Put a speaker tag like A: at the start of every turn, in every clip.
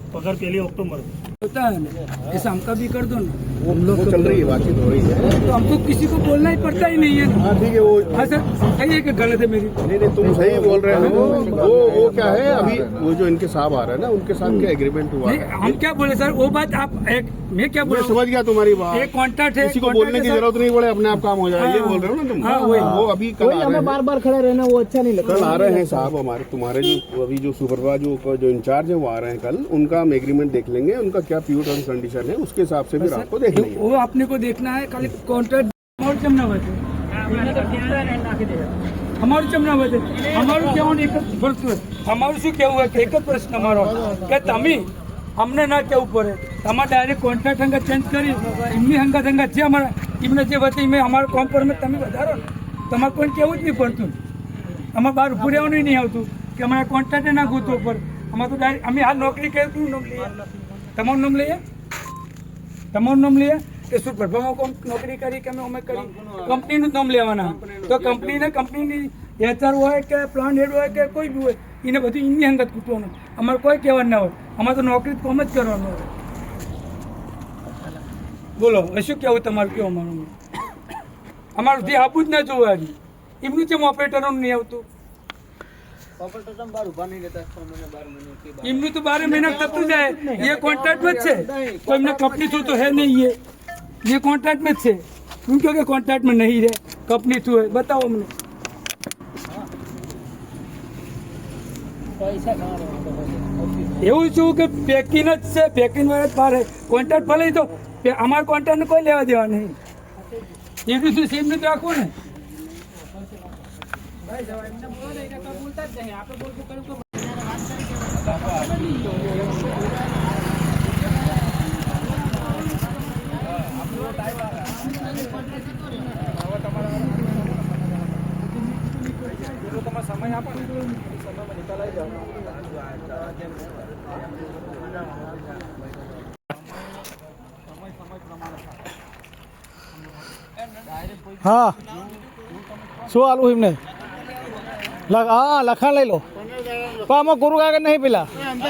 A: पगार पहली अक्टूबर
B: होता है ना, ऐसा हमका भी कर दो ना।
C: वो चल रही है, बातचीत हो रही है।
B: तो हमको किसी को बोलना ही पड़ता ही नहीं है ना।
C: हाँ ठीक है, वो
B: हाँ सर, सही है कि गलत है मेरी?
C: नहीं तुम सही बोल रहे हो। वो क्या है, अभी वो जो इनके साहब आ रहे हैं ना, उनके साथ क्या एग्रीमेंट हुआ
B: नहीं,
C: है?
B: हम क्या बोले सर, वो बात आप मैं क्या बोल
C: मैं समझ गया तुम्हारी बात।
B: एक कॉन्ट्रैक्ट है,
C: किसी को बोलने की जरूरत नहीं पड़े, अपने आप काम हो जाए, ये बोल रहे हो ना तुम?
B: हाँ, वही।
C: वो अभी कल आ रहे हैं,
D: बार बार खड़ा रहना वो अच्छा नहीं लगता।
C: कल आ रहे हैं साहब हमारे, तुम्हारे जो अभी जो सुपरवाइजर जो इंचार्ज है वो आ रहे हैं कल। उनका हम एग्रीमेंट देख लेंगे, उनका क्या प्योर टर्म्स कंडीशन है, उसके हिसाब से फिर आपको देख लेंगे।
B: वो अपने को देखना है, खाली कॉन्ट्रैक्ट हमारे चमना बचे, हमारे चमना बचे, हमारे क्या हमारे શું કેવું है? एक प्रश्न हमारो કે તમે અમને ના કેવું પડે, તમારે ડાયરેક્ટ કોન્ટ્રાક્ટ અંગત ચેન્જ કરી એમની અંગત છે અમારા એમને જે વતી મેં અમારા કોમ પર મેં તમે વધારો ને, તમારે કોઈ કેવું જ નહીં પડતું, અમારે બહાર ઉભું રહેવાનું નહીં આવતું કે અમારા કોન્ટ્રાક્ટે ના ગોતવો પડે। અમારે તો ડાયરેક્ટ અમે હાલ નોકરી કરી, શું નામ લઈએ? તમારું નામ લઈએ, તમારું નામ લઈએ કે શું પ્રભાવમાં કોમ નોકરી કરી કે અમે કરી? કંપનીનું નામ લેવાના, તો કંપનીની HR હોય કે પ્લાન હેડ હોય કે કોઈ બી હોય, એને બધું એમની અંગત કૂટવાનું, અમારે કોઈ કહેવાનું ના હોય, અમારે તો નોકરી કોમ જ કરવાનું હોય। બોલો હવે શું કહેવું તમારું? કેવું અમારું? અમારું જે આપવું જ ના જોવે હજી, એમનું જેમ ઓપરેટરોનું નહીં આવતું, એમનું તો 12 મહિના થતું જાય। ये कॉन्ट्रैक्ट में છે, कोई એમને કંપની થ્रू तो है नहीं, ये कॉन्ट्रैक्ट में છે, क्योंकि कॉन्ट्रैक्ट में नहीं रहे, कंपनी थ्रू है। बताओ अમને એવું શું કે પેકિંગ જ છે, પેકિંગ વાળા જ બહાર કોન્ટ્રાક્ટ ભલે તો અમારા કોન્ટ્રાક્ટને કોઈ લેવા દેવા નહીં, એવી શું સેમ જ રાખવું ને। સમય આપો ને, સમયમાં નિકાલાઈ જાઓ।
D: હા શું આલું એમને હા લખાણ લઈ લો, પણ આમાં કોરું કાગળ નહીં પેલા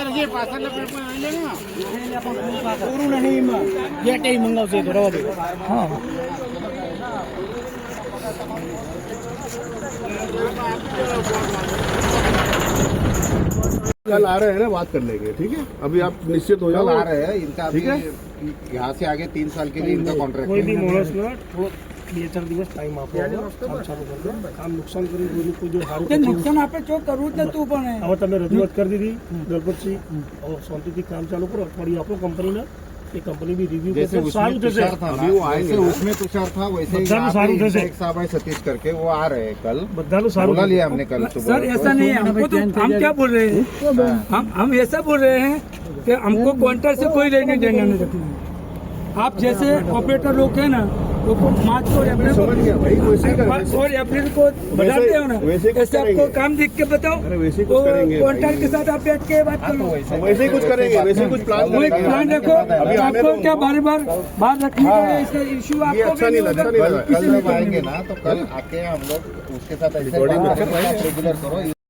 D: મંગાવશે તો રવા દે। હા
C: कल आ रहे हैं ना, बात कर लेंगे, ठीक है? अभी आप निश्चित हो जाओ।
E: आ रहे हैं इनका,
C: ठीक है?
E: यहाँ से आगे 3 साल के लिए इनका कॉन्ट्रैक्ट
A: કોઈ
E: है।
A: બી માણસને 2-4 દિવસ ટાઈમ આપો, કામ ચાલુ કરજો। કામ નુકસાન કરી કોઈ જો સારું
B: તે નુકસાન આપણે ચો કરવું જ નતું, પણ
A: હવે તમે રજૂઆત કરી દીધી દલપતસિંહ, હવે શાંતિથી કામ ચાલુ કરો, અઠવાડિયું આપો કંપનીને, એ કંપની બી રિવ્યુ
E: जैसे
A: કરશે,
E: उसमें
A: સારું થશે।
E: तुषार था ना, वैसे उसमें तुषार था, वैसे ही
A: बच्चा भी
E: यहाँ पे
A: सारू
E: इनका
A: जैसे।
E: एक साहब है सतीश करके, वो आ रहे हैं कल,
A: બધાનું સારું
E: बोला लिया हमने कल
B: सर
E: सुबह।
B: ऐसा नहीं है, हमको तो हम क्या बोल रहे हैं, हम ऐसा बोल रहे हैं कि हमको कॉन्ट्रैक्ट से कोई लेने देने नहीं रखना है। आप जैसे ऑपरेटर लोग हैं ना, वो मार्च और अप्रैल
C: समझ गया भाई, वैसे ही करेंगे।
B: और अप्रैल को बढ़ाते हो ना,
C: वैसे ही कुछ
B: ऐसे आपको
C: करेंगे।
B: काम देख के बताओ,
C: अरे वैसे ही
B: तो
C: कुछ करेंगे
B: कॉन्ट्रैक्ट के
C: भाई।
B: साथ आप बैठ के बात करो,
C: वैसे ही कुछ करेंगे, वैसे ही कुछ प्लान
B: कोई
C: करेंगे।
B: प्लान रखो।
C: अभी आने
B: आपको
C: दो
B: क्या
C: उनको।
B: बार बार रखने का ऐसा इशू
C: ये
B: आपको
C: अच्छा
B: भी
C: नहीं
B: होगा,
C: लगता, नहीं
E: कल
C: लगा।
E: कल जब आएंगे ना, तो कल आके हम लोग उसके साथ ऐसे
C: रिकॉर्डिंग
E: बात
C: अच्छा
E: करेंगे, आप रेगुलर करो।